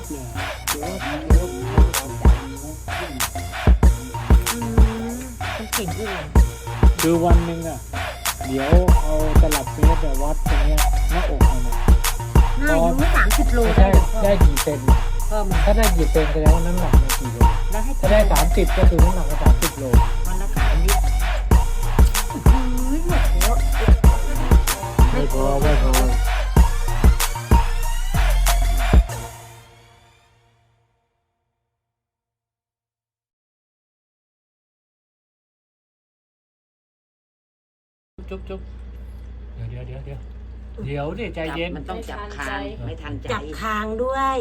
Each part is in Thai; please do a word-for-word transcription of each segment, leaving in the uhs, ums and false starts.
เลยเดี๋ยวเดี๋ยวเอาใจนะอืมมันเก่งอื่นคือวันหนึ่งอ่ะเดี๋ยวเอาตลับเมตรแบบวัดตรงเนี้ยหน้าอกมันอ่ะน่าอายุสามสิบโลได้ได้กี่เซนเพิ่มถ้าได้กี่เซนแสดงว่าน้ำหนักมันกี่โลแล้วให้ถ้าได้สามสิบก็คือน้ำหนักมันสามสิบโลวันละสามลิตรอืมหมดแล้วไม่พอไม่พอจุ๊บจุ๊บเดี๋ยวเดี๋ยวเดี๋ยวเดี๋ยวเดี๋ยวดิใจเย็นมันต้องจับคางไม่ทันใจจับคางด้วย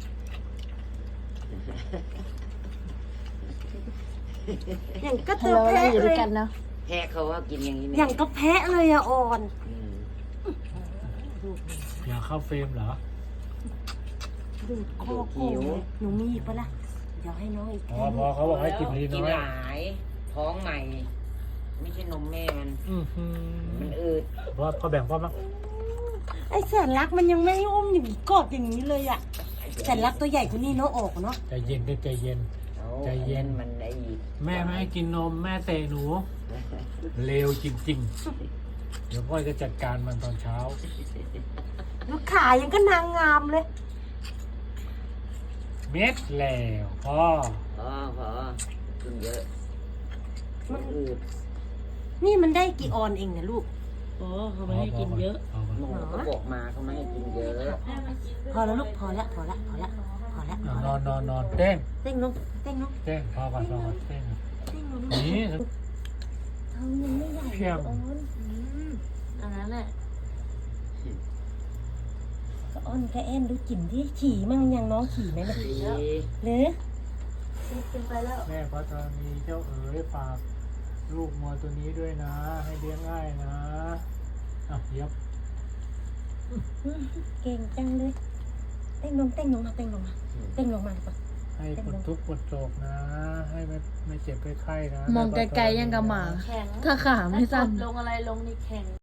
อย่างก็ตัวแพะเลยแพ้เขาว่ากินอย่างนี้อเนี่ย่างก็แพะเลยอะอ่อนอืมอยากเข้าเฟรมเหรอดูดคอโก่งเลยหนูมีอีกปะล่ะเดี๋ยวให้น้องอีกพอพอเขาบอกให้กินทีกินน้อยหลายท้องใหม่ ไม่ใช่นมแม่มันอือหือมันอืดเพราะพอแบ่งพ่อมั้งไอ้แสนรักมันยังไม่อุ้มอย่างนี้กอดอย่างนี้เลยอะแสนรักตัวใหญ่กว่านี้เนาะออกเนาะใจเย็นด้วยใจเย็นเอาใจเย็นมันได้อีกแม่ไม่ให้กินนมแม่เตะหนูเลวจริงๆ เดี๋ยวพ่อจะจัดการมันตอนเช้าลูกขายังก็นางงามเลยเม็ดแล้วพ่อพอพอกินเยอะมันอืดนี่มันได้กี่ออนเองนะลูกอ๋อเขาไม่ให้กินเยอะพอก่อนหนูก็บอกมาเขาไม่ให้กินเยอะพอแล้วลูกพอละพอละพอละพอละเอานอนนอนนอนเต้นเต้งลงเต้งลงเต้นพอก่อนพอก่อนเต้นเต้งลงนี่เขายังไม่ใหญ่เพียงอ้อนอันนั้นแหละก็อ้อนก็แอนดูกลิ่นที่ฉี่มั่งยังน้องฉี่ไหมเนี่ยดีหรือกินไปแล้วแม่พระธรณีเจ้าเอ๋ยฝากลูกมัวตัวนี้ด้วยนะ ให้เลี้ยงง่ายนะอ่ะเย็บเก่งจังเลยเต้งลงเต้งลงมาเต้งลงมาเต้งลงมาดีกว่าให้ปวดทุกข์ปวดโศกนะ ให้ไม่ไม่เจ็บไม่ไข้นะมองไกลๆยังกับหมาแข็งถ้าขาไม่สั้นลงอะไรลงนี่แข็ง